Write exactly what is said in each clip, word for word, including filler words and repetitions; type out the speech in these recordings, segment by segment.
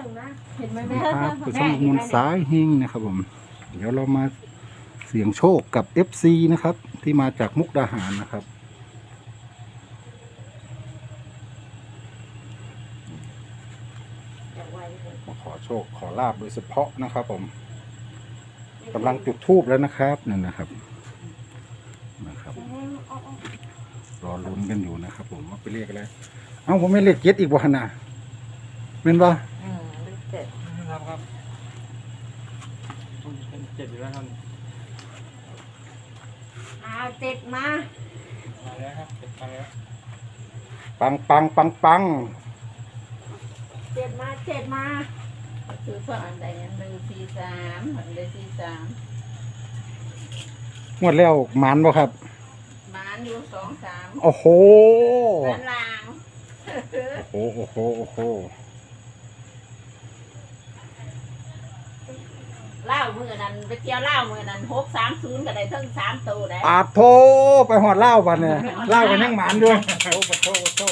นึ่งนะเห็นไหมแม่ครับคือช่องมูลสายเฮงนะครับผมเดี๋ยวเรามาเสี่ยงโชคกับ เอฟ ซี นะครับที่มาจากมุกดาหารนะครับมาขอโชคขอลาบโดยเฉพาะนะครับผมกำลังจุดธูปแล้วนะครับนั่นนะครับนะครับรอลุ้นกันอยู่นะครับผมว่าไปเรียกอะไรเอ้าผมไม่เรียกเจ็ดอีกวันนะเป็นปะอืมเลขเจ็ดครับครับเป็นเจ็ดอยู่แล้วครับเอาเจ็ดมามาแล้วครับเจ็ดมาแล้วปังปังปังปังเจ็ดมาเจ็ดมาคือพวกอันใดอันหนึ่งสี่สามอันใดสี่สามงวดแล้วหมานบ่ครับหมานอยู่สองสามโอ้โหหมานลางโอ้โหโอ้โหโอ้โหเล่ามือนั้นไปเที่ยวเล่ามือนั้นหกสามศูนย์ก็ได้ทั้งสามตัวได้อาโทไปหอดเหล้าบัดเนี่ยเหล้ากันยังหมานด้วยโอ้ปะโทปะโท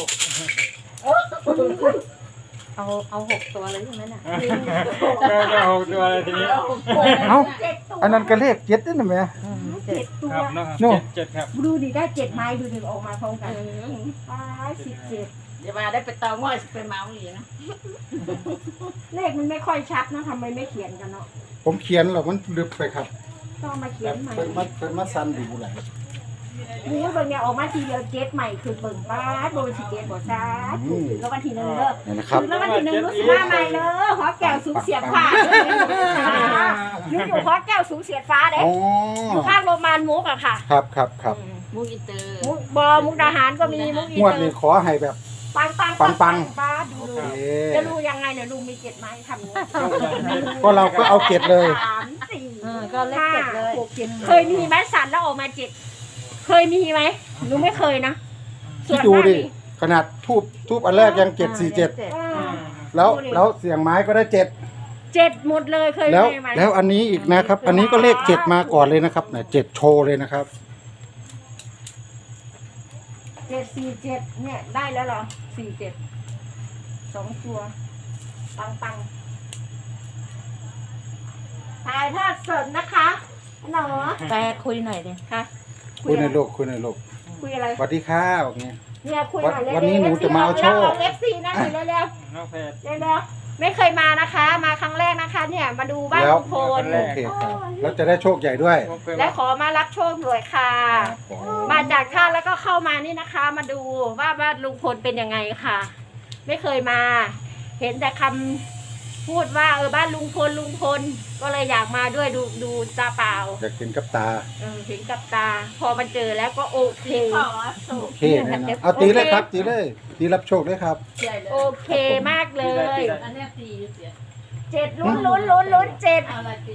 เอาเอาหกตัวเลยใช่ไหมน่ะก็จะหกตัวเลยทีนี้เอ้าเจ็ดตัวอันนั้นก็เลขเจ็ดนี่นะแม่อืมเจ็เจ็ดดตัวครับนะครับโน่เจ็ดเจ็ดครับดูดิได้เจ็ดไม้ดูดิออกมาพร้อมกันอืมป้ายสิบเจ็ดเดี๋ยวมาได้ไปเตาง่อยไปเมาอีกนะเลขมันไม่ค่อยชัดนะทำไมไม่เขียนกันเนาะผมเขียนหรอกมันลึกไปครับต้องมาเขีแบยนบใหม่เป็นมาเป็นมาสันดูแหละบู๊เบิ่งเนี่ยออกมาทีเดียวเจ็ดใหม่คือเบิ่งป้าโดนสิเจ็ดบ่ซ่าถูกแล้ววันที่หนึ่งเด้อนี่นะครับคือแล้ววันที่หนึ่งรู้สึกว่าใหม่เลยหัวแก้วสูงเสียดฟ้าหนูอยู่หัวแก้วสูงเสียดฟ้าเด้อ๋ออยู่ข้างโรงพยาบาลมุกอะค่ะครับครับครับอืมมูอินเตอร์มุกบอมุกดาหารก็มีมุกอีงวดเตอนี้ร์ขอให้แบบปังปังปังปังป้าดูโอดูเคจะรู้ยังไงเนี่ยลุงมีเจ็ดไม้ทำอย่างนี้ก็เราก็เอาเจ็ดเลยสามสี่เออก็เลขเจ็ดเลยหกเจ็ดเคยมีไหมสันแล้วออกมาเจ็ดเคยมีไหมหนูไม่เคยนะคิดดูดิขนาดทูบทูบอันแรกยังเจ็ดสี่เจ็ดจ็อ่าแล้วแล้วเสียงไม้ก็ได้เจ็ดเจ็ดหมดเลยเคยแล้วมีไหมแล้วอันนี้อีกนะครับ อันนี้ก็เลขเจ็ดมาก่อนเลยนะครับเนี่ยเจ็ดโชว์เลยนะครับเจ็ดสี่เจ็ดเนี่ยได้แล้วเหรอสี่เจ็ดสองตัวปังปังถ่ายทอดสดนะคะหนอแปลคุยหน่อยดิค่ะคุยในโลกคุยในโลกคุยอะไรสวัสดีค่ะแบบนี้เนี่ยคุยหน่อยเร็วๆวันนี้หนูจะมาเอาโชคเอฟซีนะเร็วๆเร็วน้องเพชรๆเร็วๆไม่เคยมานะคะ มาครั้งแรกนะคะ เนี่ยมาดูบ้านแล้วลุงพลโอเคครับแล้วจะได้โชคใหญ่ด้วยและขอมารับโชคด้วยค่ะ มาจากท่าแล้วก็เข้ามานี่นะคะ มาดูว่าบ้านลุงพลเป็นยังไงค่ะ ไม่เคยมา เห็นแต่คำพูดว่าเออบ้านลุงพลลุงพลก็เลยอยากมาด้วยดูดูตาเปล่าอยากเห็นกับตาเออเห็นกับตา พอมันเจอแล้วก็โอเคโอเคนะนะเอาตีเลยครับตีเลยตีรับโชคเลยครับโอเคมากเลยอันเนี้ยสี่เสียเจ็ดลุ้นลุ้นลุ้นลุ้นเจ็ดเอาอะไรสี่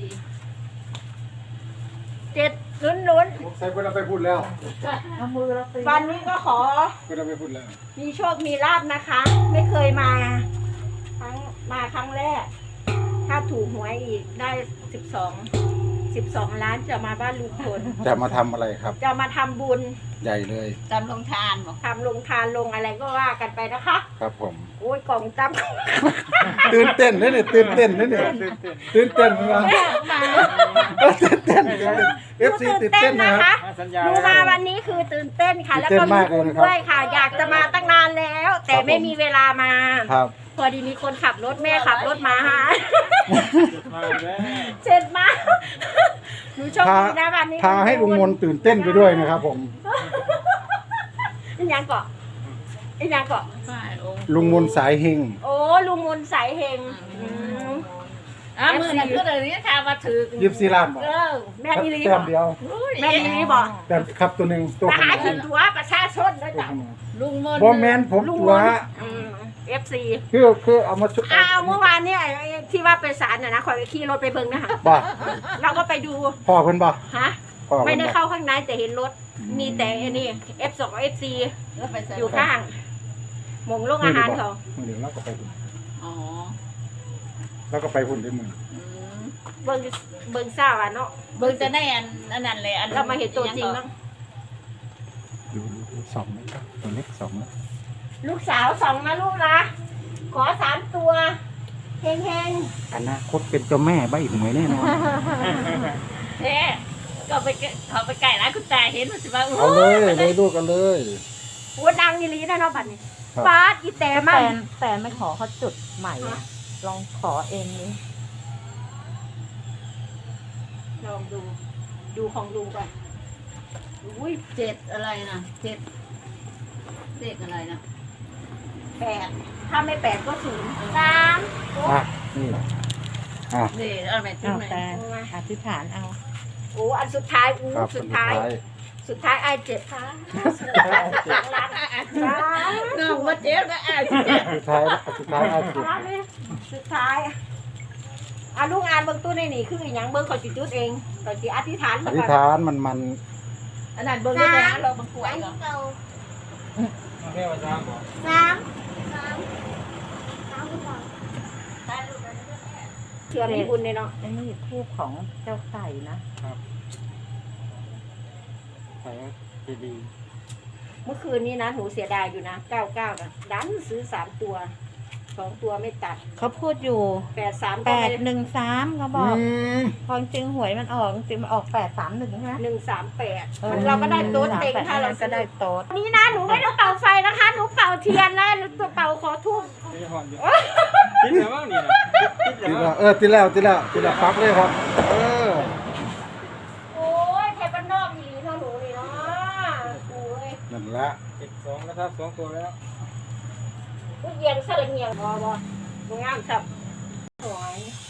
เจ็ดลุ้นลุ้นใส่เวลาไปพูดแล้วเอามือเราตีวันนี้ก็ขอเวลาไปพูดแล้วมีโชคมีลาบนะคะ ไม่เคยมาครั้งมาครั้งแรก ถ้าถูกหวยอีกได้สิบสองสิบสองล้านจะมาบ้านลุงพลจะมาทำอะไรครับจะมาทำบุญใหญ่เลยจำลงทานบอกทำลงทานลงอะไรก็ว่ากันไปนะคะครับผมโอ้ยกล่องจำตื่นเต้นนะเนี่ยตื่นเต้นนะเนี่ยตื่นเต้นเหมือนกันตื่นเต้นเอฟซีตื่นเต้นนะครับมาสัญญาหนูมาวันนี้คือตื่นเต้นค่ะ แล้วก็ตื่นเต้นมีมากเลยบุญนะครับด้วยค่ะ อยากจะมาตั้งนานแล้ว แต่ครับผมไม่มีเวลามาครับพอดีมีคนขับรถแม่ขับรถมาฮะมาแล้วเจ็ดมาหนูโชคดีนะวันนี้พาให้ลุงมนตื่นเต้นไปด้วยนะครับผมอีกอย่างเกาะอีกอย่างเกาะฝ่ายองค์ลุงมนสายเฮงโอ้ลุงมนต์สายเฮงอืมอ่ะมือนั่นก็เลยนี่ทามาถือยิบซีรานบอกเออแม่อีลีแต้บอมกเดียวแม่อีลีบอกแต้มครับตัวหนึ่งตัวมาข้างหาบกินนตัวประชาชนด้วยตัวจ้ะข้างบนลุงมนบอมแมนผมตัวเอฟซีคือคือเอามาชุบอ้าวเมื่อวานเนี่ยไอ้ที่ว่าไปศาลน่ะนะคอยไปขี่รถไปเบิ่งนะคะบ่เราก็ไปดูพ่อเพิ่นบ่ฮะพ่อไม่เพิ่นได้บ่เข้าข้างในแต่เห็นรถ มีแต่ไอ้นี่ เอฟ สอง เอฟ ซีแล้วไปใส่อยู่ข้างหมงโรงอาหารเขาเดี๋ยวเราก็ไปพุ่นอ๋อเราก็ไปพุ่นด้วยมืออืมเบิ่งเบิ่งเศร้าอ่ะเนาะเบิ่งจะได้อันอันนั้นเลยอันเรามาเห็นตัวจริงบ้างดูดูสองนะครับตัวเล็กสองนะลูกสาวสองนะลูกนะ ขอสามตัวเฮงเฮงอนาคตเป็นเจ้าแม่ใบหวยแน่นอนเอ๊ะก็ไปเขาไปไก่ร้านคุณตาเห็นมันสิว่าเอาเลยเลยลูกกันเลยๆหัวดังอีหลีนะเนาะบัดนี้ครับฟาดอีแต่แฟมันนแฟนไม่ขอเขาจุดใหม่อะลองขอเองนี่ลองดู ดูของลุงก่อนอุ้ยเจ็ดอะไรนะเจ็ดเลขอะไรนะแปดถ้าไม่แปดก็ศูนย์สามอ่ะนี่อ่ะเลขอะไรจุดเอาไหนแฟนอธิษฐานเอาโอ้อันสุดท้ายอู้ครับสุดท้าย สุดท้ายไอ้เจ็ดค่ะสุดท้ายสองล้านสามน้องว่าเจ็ดก็อ่านสุดท้ายสุดท้ายอ่ะสุดล้านเลยสุดท้ายอ่ะลุงอ่านเบิ่งตู้ในนี่คืออหย่างเบิ่งขอสิจุดเองขอสิอธิษฐานอมาธิษก่อนฐานมันมันอันนั้นเบิ่งได้แล้วเราบังกวยเหรอเอาแค่ว่าจ้างบอกสามเชื่อมีบุญเลยเนาะไอ้นี่ทูบของเจ้าไก่นะใส่ดีเมื่อคืนนี้นะหนูเสียดายอยู่นะเก้าเก้านะดันซื้อสามตัวสองตัวไม่ตัดเขาพูดอยู่แปดสามแปก็ดไม่หนึ่งสามเขาบอือกมความจริงหวยมันออกจริงมันออกแปดสามหนึ่งใช่ไหมหนึ่งสามแปดออเราก็ได้โต๊ดสามเต็งแปดถ้าเราก็ซื้อได้โต๊ดวันนี้นะหนูไม่ได้เป่าไฟนะคะหนูเป่าเทียนนะหนูตัวเป่าขอทูบๆที่หอนอยู่ติดแล้วมั้งนี่นะติดติดแล้แล้ว วเออติดแล้วติดแล้วติดแล้วปั๊บเลยครับ เออโอ้ยเทปนนอกอีหลีเท่าหนูนี่เนาะโอ้ยนั่นละเจ็ดสองนะครับสองตัวแล้วผู้เยียงเสื้อเงียงบอบอบงามสับหวย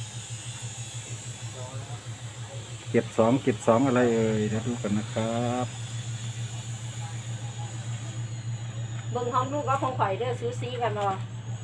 เก็บสองเก็บสองอะไรเอ่ยเดี๋ยวดูกันนะครับเบิ่งห้องลูกก็คงข่อยเด้อซูซีกันเนาะ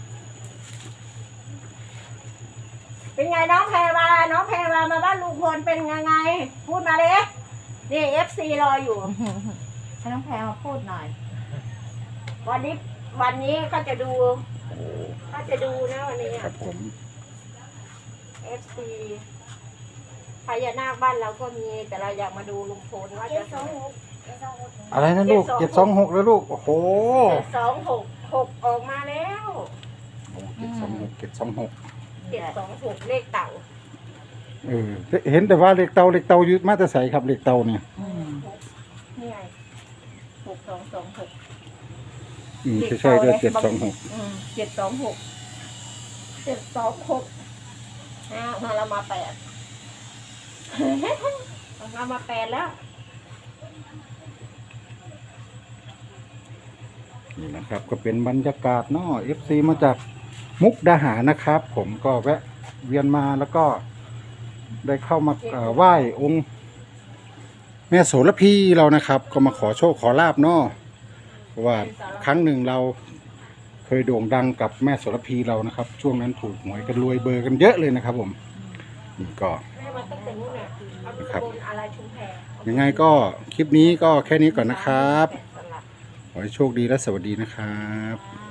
เป็นไงน้องแพรวาน้องแพรวามาบ้านลุงพลเป็นยังไง พูดมาเลยนี่เอฟซีรออยู่ให้น้องแพรมาพูดหน่อยวันนี้วันนี้เขาจะดูเขาจะดูนะวันนี้ครับผมเอฟซีพญานาคบ้านเราก็มีแต่เราอยากมาดูลุงพลว่าจะอะไรนะลูกเจ็ดสองหกแล้วลูกโอ้โหเจ็ดสองหกหกออกมาแล้วเจ็ดสองหกเจ็ดสองหกเจ็ดสองหกเลขเต่าเออเห็นแต่ว่าเหล็กเตาเหล็กเตาอยู่มาแต่ใสครับเหล็กเตาเนี่ยนี่ไงหกสองสองหกอืมใช่ๆด้วยเจ็ดสองหกเจ็ดสองหกเจ็ดสองหกอ่ามาเรามาแปด เรามาแปดแล้วนี่นะครับ ก็เป็นบรรยากาศเนาะเอฟซีมาจากมุกดาหารนะครับ ผมก็แวะเวียนมาแล้วก็ได้เข้ามาเอ่อไหว้องค์แม่โสระพีเรานะครับ ก็มาขอโชคขอลาบเนาะเพราะว่าครั้งหนึ่งเราเคยโด่งดังกับแม่โสระพีเรานะครับ ช่วงนั้นถูกหวยกันรวยเบอร์กันเยอะเลยนะครับ ผมนี่ก็แม่มาตั้งแต่นู้นน่ะเอาไปบนอะไรชุมแพยังไงก็คลิปนี้ก็แค่นี้ก่อนนะครับ ขอให้โชคดีและสวัสดีนะครับอ่า